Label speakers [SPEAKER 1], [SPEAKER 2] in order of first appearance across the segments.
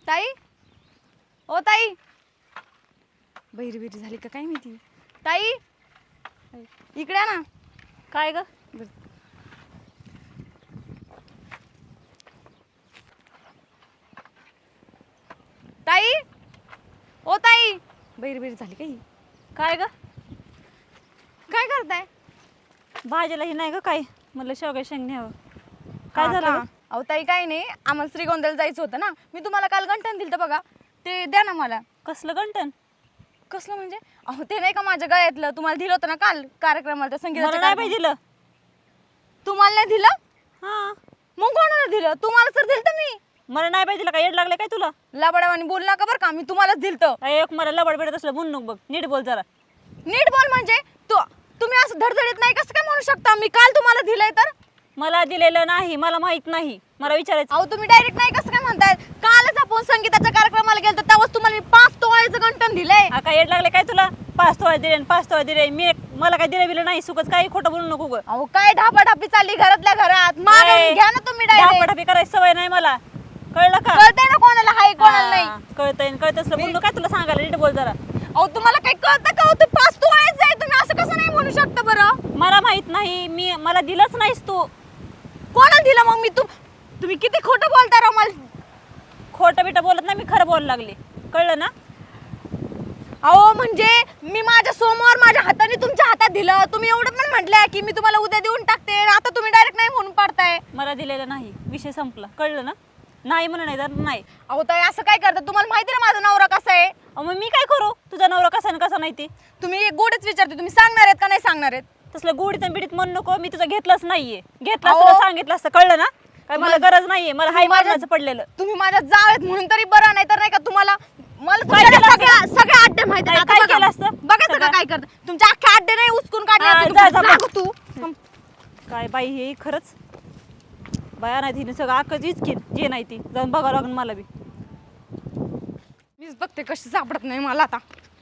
[SPEAKER 1] ताई, ओ ताई, बहिरी बिरी झाली का काय माहिती. ताई इकडे ना.
[SPEAKER 2] काय ग?
[SPEAKER 1] ताई, ओ ताई, बहिरी बिरी झाली काही.
[SPEAKER 2] काय ग?
[SPEAKER 1] काय करताय?
[SPEAKER 2] भाजीला ही नाही ग काय, म्हणलं शेवगा शेंग न्यावं. काय
[SPEAKER 1] हा
[SPEAKER 2] झालं
[SPEAKER 1] का?
[SPEAKER 2] ग?
[SPEAKER 1] अहो ताई काही नाही, आम्हाला श्रीगोंद्याला जायचं होतं ना. मी तुम्हाला काल गंठण दिलं बघा, ते द्या ना मला.
[SPEAKER 2] कसलं गंटन?
[SPEAKER 1] कसलं म्हणजे? अहो ते नाही का माझ्या गळ्यातलं, तुम्हाला दिलं होतं ना काल कार्यक्रमाला, त्या
[SPEAKER 2] मला
[SPEAKER 1] संगीताच्या
[SPEAKER 2] नाही पाहिजे दिलं.
[SPEAKER 1] तुम्हाला नाही दिलं?
[SPEAKER 2] हा,
[SPEAKER 1] मग कोणाला दिलं? तुम्हाला तर दिलं मी.
[SPEAKER 2] मला नाही पाहिजे दिलं. काय येड लागले काय तुला?
[SPEAKER 1] लबाडावानी बोल नका बरं का, मी तुम्हालाच दिलतं.
[SPEAKER 2] एक मला लबड बेडत असलं म्हणून नको बघ, नीट बोल जरा.
[SPEAKER 1] नीट बोल म्हणजे तुम्ही असं धडधडीत नाही कसं काय म्हणू शकता? मी काल तुम्हाला दिलंय तर.
[SPEAKER 2] मला दिलेलं नाही, मला माहित नाही, मला विचारायचं.
[SPEAKER 1] अहो तुम्ही डायरेक्ट नाही कसं काय म्हणताय? कालच आपण संगीताच्या कार्यक्रमाला गेलो तेव्हाच तुम्हाला मी 5 तोळ्याचं गंठण दिलंय.
[SPEAKER 2] हा, काय येड लागले काय तुला? 5 तोळे दिले 5 तोळे दिले. मला काय दिले बिलं नाही, सुकच काही खोटं बोलू नको ग.
[SPEAKER 1] अहो काय ढापाढापी चालली घरातल्या घरात. मागून घ्या ना तुम्ही डायरेक्ट.
[SPEAKER 2] ढापाढापी करायची सवय नाही मला, कळलं का?
[SPEAKER 1] कळतंय ना कोणाला हाय कोणाला नाही.
[SPEAKER 2] कळतंय कळत असलं बोललो काय तुला सांगायला, नीट बोल जरा.
[SPEAKER 1] अहो तुम्हाला काही कळतं का? ते 5 तोळ्याचं आहे, तुम्ही असं कसं नाही म्हणू शकता बरं?
[SPEAKER 2] मला माहित नाही, मला दिलंच नाहीस तू.
[SPEAKER 1] कोणाला दिलं मग मी? तुम्ही किती खोटं बोलता राव मला.
[SPEAKER 2] खोटं बिटं बोलत नाही, मी खरं बोलायला लागले, कळलं ना?
[SPEAKER 1] अहो म्हणजे मी माझ्या समोर माझ्या हाताने तुमच्या हातात दिलं. तुम्ही एवढं पण म्हटलंय की मी तुम्हाला उद्या देऊन टाकते, आता तुम्ही डायरेक्ट नाही म्हणून पाडताय.
[SPEAKER 2] मला दिलेलं नाही, विषय संपला, कळलं ना? नाही म्हणून नाही तर नाही.
[SPEAKER 1] अहो ताई असं काय करता? तुम्हाला माहिती ना माझा नवरा कसा आहे.
[SPEAKER 2] मग मी काय करू? तुझा नवरा कसा आणि कसा नाही ते
[SPEAKER 1] तुम्ही एक गोडच विचारते, तुम्ही सांगणार आहेत का नाही सांगणार आहेत?
[SPEAKER 2] तसलं गोडीत आणि बिडीत म्हणू नको. मी तुझं घेतलंच नाहीये, घेतलं
[SPEAKER 1] अहो.
[SPEAKER 2] असतं तर सांगितलं असतं, कळलं ना? काय मला गरज नाहीये, मला हाय
[SPEAKER 1] माझ्या-
[SPEAKER 2] मारण्याचं पडलेलं.
[SPEAKER 1] तुम्ही माझ्या जाव आहेत म्हणून तरी बरं, नाही तर नाही का तुम्हाला मला
[SPEAKER 2] काय
[SPEAKER 1] तुमच्या
[SPEAKER 2] केलं
[SPEAKER 1] सगळ्या अड्डे माहिती
[SPEAKER 2] काय-
[SPEAKER 1] आहेत.
[SPEAKER 2] काय
[SPEAKER 1] आता
[SPEAKER 2] केलं असतं?
[SPEAKER 1] बघायचं का
[SPEAKER 2] सगळं?
[SPEAKER 1] काय करत? तुमच्या अख्खे अड्डे नाही उचकून काढले
[SPEAKER 2] हा,
[SPEAKER 1] असते
[SPEAKER 2] जा,
[SPEAKER 1] तुम्ही.
[SPEAKER 2] जा,
[SPEAKER 1] जा गं तू.
[SPEAKER 2] काय बाई हे खरंच बाया नाही, तिने सगळं अक्कच इचकीन जे नाही ती जाऊन बघावं लागेल मला बी.
[SPEAKER 1] मीच बघते कशी सापडत नाही मला आता.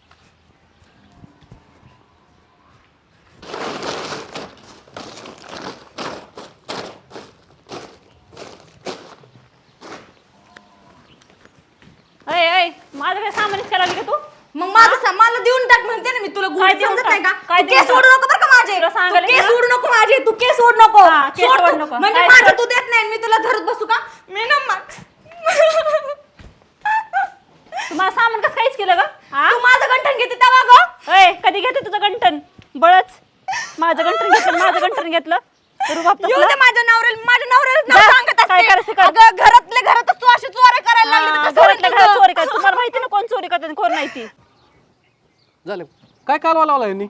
[SPEAKER 2] अय अय, माझं काय सामानच करायला लागली का तू?
[SPEAKER 1] मग माझं मला देऊन टाक म्हणते ना मी तुला.
[SPEAKER 2] काय
[SPEAKER 1] गोड
[SPEAKER 2] देऊन
[SPEAKER 1] समजत
[SPEAKER 2] टाक?
[SPEAKER 1] नाही का?
[SPEAKER 2] काय
[SPEAKER 1] तू
[SPEAKER 2] देऊन
[SPEAKER 1] केस
[SPEAKER 2] टाक?
[SPEAKER 1] सोडू नको बरं का माझे.
[SPEAKER 2] तुला सांगायला
[SPEAKER 1] तू केस
[SPEAKER 2] गेलं?
[SPEAKER 1] सोडू नको माझे. तू केस सोडू नको.
[SPEAKER 2] हा, केस
[SPEAKER 1] सोड
[SPEAKER 2] सोडू
[SPEAKER 1] तू.
[SPEAKER 2] नको.
[SPEAKER 1] म्हणजे
[SPEAKER 2] काय
[SPEAKER 1] माझं
[SPEAKER 2] सोड?
[SPEAKER 1] तू देत नाही, मी तुला धरत बसू का? मी ना
[SPEAKER 2] तुम्हाला सामान कसं काहीच केलं ग? हा,
[SPEAKER 1] तू माझं गंठण घेते तेव्हा गं.
[SPEAKER 2] अय कधी घेते तुझं गंठन? बळच माझं गंठन घेतलं, माझं गंठन घेतलं रुबाब
[SPEAKER 1] येऊ
[SPEAKER 2] तसला.
[SPEAKER 1] दे माझ्या नवऱ्याला
[SPEAKER 2] जा,
[SPEAKER 1] नाव सांगत
[SPEAKER 2] काय करायचं
[SPEAKER 1] असते.
[SPEAKER 2] कर.
[SPEAKER 1] अगं घरातल्या घरातच तू अशी चोऱ्या करायला लागली तर
[SPEAKER 2] हा,
[SPEAKER 1] कसं होईल
[SPEAKER 2] घरातल्या घरात
[SPEAKER 1] तुझं?
[SPEAKER 2] चोरी कर. तुम्हाला माहिती ना कोण चोरी करते आणि कोण नाही ती.
[SPEAKER 3] झालं काय कालवा लावला यांनी?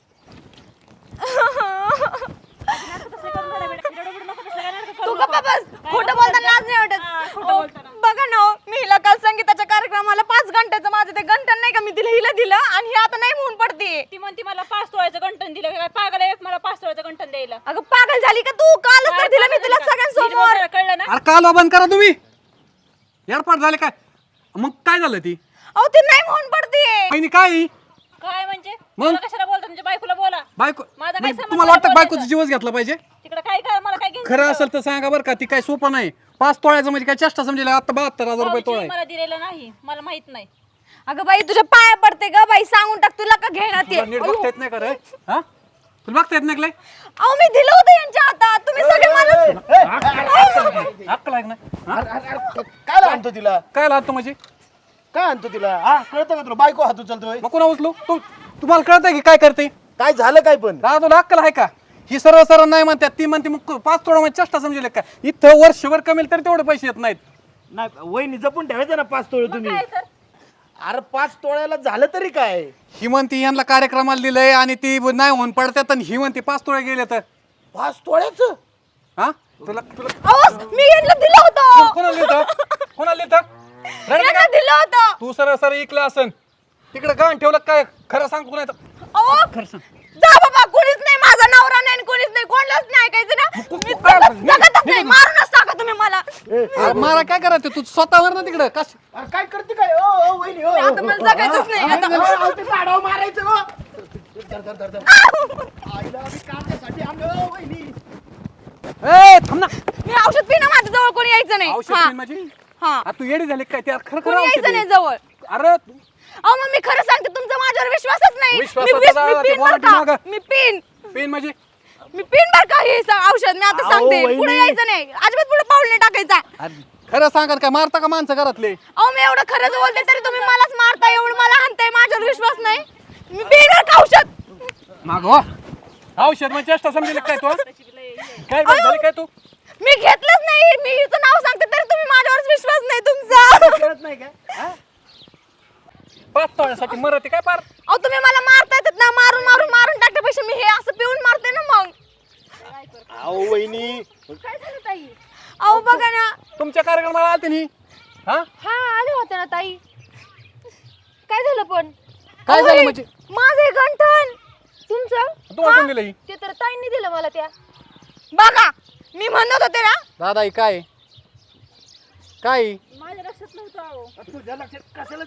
[SPEAKER 1] तू गप्पा बस. खोटं बोलताना लाज नाही वाटत.
[SPEAKER 2] खोटं बोलताना.
[SPEAKER 1] बघा ना हो, मी हिला काल संगीताच्या कार्यक्रमाला 5 घंट्याचं माझं ते गंठण नाही का, मी तिला हिला दिलं आणि ही आता नाही म्हणून पडते.
[SPEAKER 2] ती म्हणती मला 5 तोळ्याचं गंठन दिलं. काय पागल आहे मला 5 तोळ्याचं गंठन द्यायला?
[SPEAKER 1] अगं पागल झाली का तू? कालच तर दिलं मी तुला सगळ्यांसमोर.
[SPEAKER 2] कळलं ना?
[SPEAKER 3] अरे कालवा बंद करा तुम्ही. एडपाट झाले काय? मग काय झालं ती
[SPEAKER 1] अहो ती नाही म्हणून पडते.
[SPEAKER 3] बहिणी काय
[SPEAKER 2] काय म्हणजे?
[SPEAKER 3] मग?
[SPEAKER 2] मला कशाला बोलता? तुमच्या बायकोला बोला.
[SPEAKER 3] बायको
[SPEAKER 2] माझा काय
[SPEAKER 3] म्हणजे
[SPEAKER 2] संबंध
[SPEAKER 3] तुम्हाला वाटतं
[SPEAKER 2] नाही
[SPEAKER 3] बायकोचा
[SPEAKER 2] बोलायचा?
[SPEAKER 3] जीवच घेतला पाहिजे?
[SPEAKER 2] तिकडे काय कर, मला काय घ्यायचं?
[SPEAKER 3] खरं असेल तर सांगा बरं का. ती काय सोपं नाही. 5 तोळ्याचं म्हणजे काय चेष्टा समजेल? आता 72,000 रुपये तोळा
[SPEAKER 2] भाऊजी,
[SPEAKER 3] आहे.
[SPEAKER 2] मला दिलेलं नाही, मला माहित नाही.
[SPEAKER 1] अगं बाई तुझ्या पाया पडते ग बाई, सांगून टाक तुला का घेणार ते.
[SPEAKER 3] तुला नीट बघता येत नाही का रे? हा तुला बघता येत नाही का लय?
[SPEAKER 1] अहो मी दिलं होतं यांच्या हातात, तुम्ही सगळे मला.
[SPEAKER 3] अक्कल आहे का नाही? हा?
[SPEAKER 4] काय आणतो तिला?
[SPEAKER 3] काय लागतो म्हणजे?
[SPEAKER 4] काय आणतो तिला? हा कळतं का तुला? बायको हात उचलतोय.
[SPEAKER 3] मग कोणा उचलू? तुम्हाला कळतंय की काय करते?
[SPEAKER 4] काय झालं काय पण?
[SPEAKER 3] तुला अक्कल आहे का? ही सर्व सर्व नाही म्हणतात, ती म्हणते मग 5 तोळा म्हणजे चेष्टा समजेल का? इथं वर्षभर कमेल तरी तेवढे पैसे येत नाहीत.
[SPEAKER 4] नाही वहिनी जपून ठेवायचं ना 5 तोळे तुम्ही.
[SPEAKER 2] काय तर?
[SPEAKER 4] अरे 5 तोळ्याला झालं तरी काय?
[SPEAKER 3] ही म्हणती यांना कार्यक्रमाला दिलंय आणि ती नाही होऊन पडतात आणि ही म्हणते 5 तोळे गेले तर
[SPEAKER 4] 5 तोळ्याचं?
[SPEAKER 3] हा तुला तुला
[SPEAKER 1] अहो मी यांना दिलं होतं.
[SPEAKER 3] कोणाला लिहितं? कोणाला लिहितं?
[SPEAKER 1] यांना दिलं होतं.
[SPEAKER 3] तू सरळ सरळ इकलं असन तिकडे गाण ठेवलं काय? खरं सांगतो नाही तर
[SPEAKER 1] अहो
[SPEAKER 3] खरं सांग.
[SPEAKER 1] जा बाबा, कोणीच नाही, माझा नवरा नाही आणि कोणीच नाही, कोणालाच नाही ऐकायचं ना. मी जगतच नाही, मारूनच टाका तुम्ही मला.
[SPEAKER 3] अरे मारा काय करायचं? तू स्वतःवर ना तिकडं कश
[SPEAKER 4] अरे काय करते काय? ओ ओ वहिनी ओ.
[SPEAKER 1] आता मला जगायचंच नाही. आता
[SPEAKER 4] ते काढावं मारायचं हो. धर धर धर धर. आईला आम्ही काढण्यासाठी आणलं हो, वहिनी.
[SPEAKER 3] ए थांब ना.
[SPEAKER 1] मी औषध पिणं, माझ्या जवळ कोणी यायचं नाही.
[SPEAKER 3] औषध
[SPEAKER 1] हा.
[SPEAKER 3] पिन म्हणजे
[SPEAKER 1] हा.
[SPEAKER 3] आ, तू येडी झाली काय त्या खरं
[SPEAKER 1] कोणी
[SPEAKER 3] खरं
[SPEAKER 1] यायचं
[SPEAKER 3] औषध
[SPEAKER 1] नाही
[SPEAKER 3] आहे.
[SPEAKER 1] जवळ.
[SPEAKER 3] अरे
[SPEAKER 1] अहो मग मी खरं सांगते, तुमचा माझ्यावर विश्वासच नाही.
[SPEAKER 3] विश्वासाचा
[SPEAKER 1] मी
[SPEAKER 3] दावा, ते
[SPEAKER 1] पिन बरं
[SPEAKER 3] warranty
[SPEAKER 1] का?
[SPEAKER 3] मागं.
[SPEAKER 1] मी पिन
[SPEAKER 3] पेन म्हणजे
[SPEAKER 1] बर का हे औषध मी आता
[SPEAKER 4] अहो,
[SPEAKER 1] सांगते.
[SPEAKER 4] वहिनी.
[SPEAKER 1] पुढे यायचं नाही, अजिबात पुढे पाऊल नाही टाकायचा.
[SPEAKER 3] अरे, खरं सांगा काय मारता का माणसं घरातले
[SPEAKER 1] अहो मी एवढं खरंच बोलते तरी तुम्ही मलाच मारताय, एवढं मला हाणताय, माझ्यावर विश्वास नाही. मी पिन बरं का औषध.
[SPEAKER 3] माग हो औषध म्हणजे चेष्टा समजेल काय तू काय बरं झाली काय तू
[SPEAKER 1] मी घेतलंच नाही. मी हिचं नाव सांगते तरी तुम्ही माझ्यावर विश्वास नाही तुमचा.
[SPEAKER 4] कळत नाही का हा?
[SPEAKER 3] 5 तोळ्यासाठी मरते काय पार
[SPEAKER 1] अहो तुम्ही मला मारता येतात ना, मारून टाकण्यापेक्षा मी हे असं पिऊन मारते ना मग.
[SPEAKER 4] अहो वहिनी
[SPEAKER 1] काय झालं ताई? अहो बघा ना.
[SPEAKER 3] तुमच्या कार्यक्रमाला आलते नी हा
[SPEAKER 1] हा आले होते ना ताई. काय झालं पण?
[SPEAKER 3] काय
[SPEAKER 1] अहो,
[SPEAKER 3] झालं
[SPEAKER 1] हे
[SPEAKER 3] म्हणजे?
[SPEAKER 1] माझं हे गंठण तुमचं
[SPEAKER 3] तुम्हाला कोण दिलं ही?
[SPEAKER 1] ते तर ताईंनी दिलं मला त्या. बघा मी म्हणत होते ना.
[SPEAKER 3] दादा ही काय काय
[SPEAKER 2] माझ्या लक्षात नव्हतं अहो.
[SPEAKER 4] तुझ्या लक्षात कशाला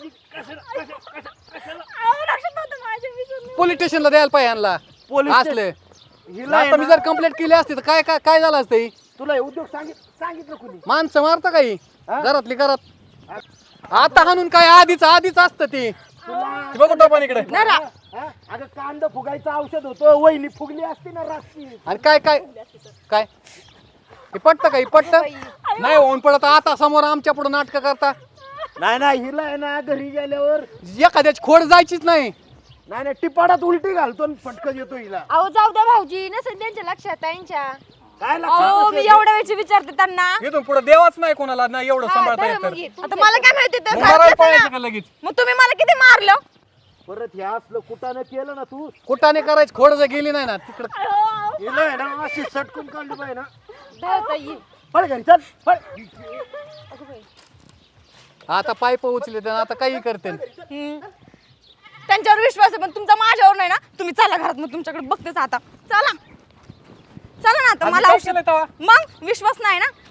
[SPEAKER 2] अहो, लक्षात नव्हतं माझ्या विसरून.
[SPEAKER 3] पोलीस स्टेशनला द्यायला पाहिजे यांना
[SPEAKER 4] पोलीस
[SPEAKER 3] असले
[SPEAKER 4] हिला आहे
[SPEAKER 3] आता मी
[SPEAKER 4] ना,
[SPEAKER 3] जर कंप्लेंट केली असती तर काय काय काय झालं असतं ही?
[SPEAKER 4] तुला हे उद्योग सांगितलं कुणी
[SPEAKER 3] माणसं मारता काही
[SPEAKER 4] हा?
[SPEAKER 3] घरातली घरात आता हाणून काय आधीच असतं ते
[SPEAKER 4] तुला
[SPEAKER 3] बघू टोपण इकडे
[SPEAKER 1] नरा.
[SPEAKER 4] हा? अगं कांदा फुगायचं औषध होतं, वहिनी फुगली असती ना रात्री.
[SPEAKER 3] आणि काय काय काय हे पटतं का हे पटतं नाही होऊन पडत आता समोर आमच्या पुढे नाटकं करता
[SPEAKER 4] नाही हिला आहे ना घरी गेल्यावर
[SPEAKER 3] एखाद्याची खोड जायचीच नाही
[SPEAKER 4] नाही टिपाडात उलटी घालतो आणि फटकन येतो हिला.
[SPEAKER 1] अहो जाऊ द्या भाऊजी, नसेल त्यांच्या लक्षात ताईंच्या.
[SPEAKER 4] काय
[SPEAKER 1] अहो मी
[SPEAKER 4] लक्षात
[SPEAKER 1] एवढ्या वेळची विचारते त्यांना.
[SPEAKER 3] इथून पुढे देवाच नाही कोणाला नाही एवढं सांभाळता येत तर
[SPEAKER 1] आता मला काय माहिती ते
[SPEAKER 3] मग मारायला
[SPEAKER 1] घरातलंच
[SPEAKER 3] पाहिजे
[SPEAKER 1] ना.
[SPEAKER 3] का लगेच
[SPEAKER 1] मग तुम्ही मला किती मारलं?
[SPEAKER 4] परत हे असलं कुटानं केलं ना तू
[SPEAKER 3] कुठाने करायची खोड जर गेली नाही ना तिकडं
[SPEAKER 4] हिला आहे ना अशी सटकून काढली पाहिजे ना.
[SPEAKER 1] ताई.
[SPEAKER 4] पळ घरी चल पळ.
[SPEAKER 3] आता पाईप उचले तर आता काही करते
[SPEAKER 1] त्यांच्यावर विश्वास आहे पण तुमचा माझ्यावर नाही ना. तुम्ही चला घरात, मग तुमच्याकडे बघतेच आता. चला चला ना आता
[SPEAKER 3] आधी
[SPEAKER 1] मला
[SPEAKER 3] काय
[SPEAKER 1] औषध.
[SPEAKER 3] केलंय तेव्हा?
[SPEAKER 1] मग विश्वास नाही ना.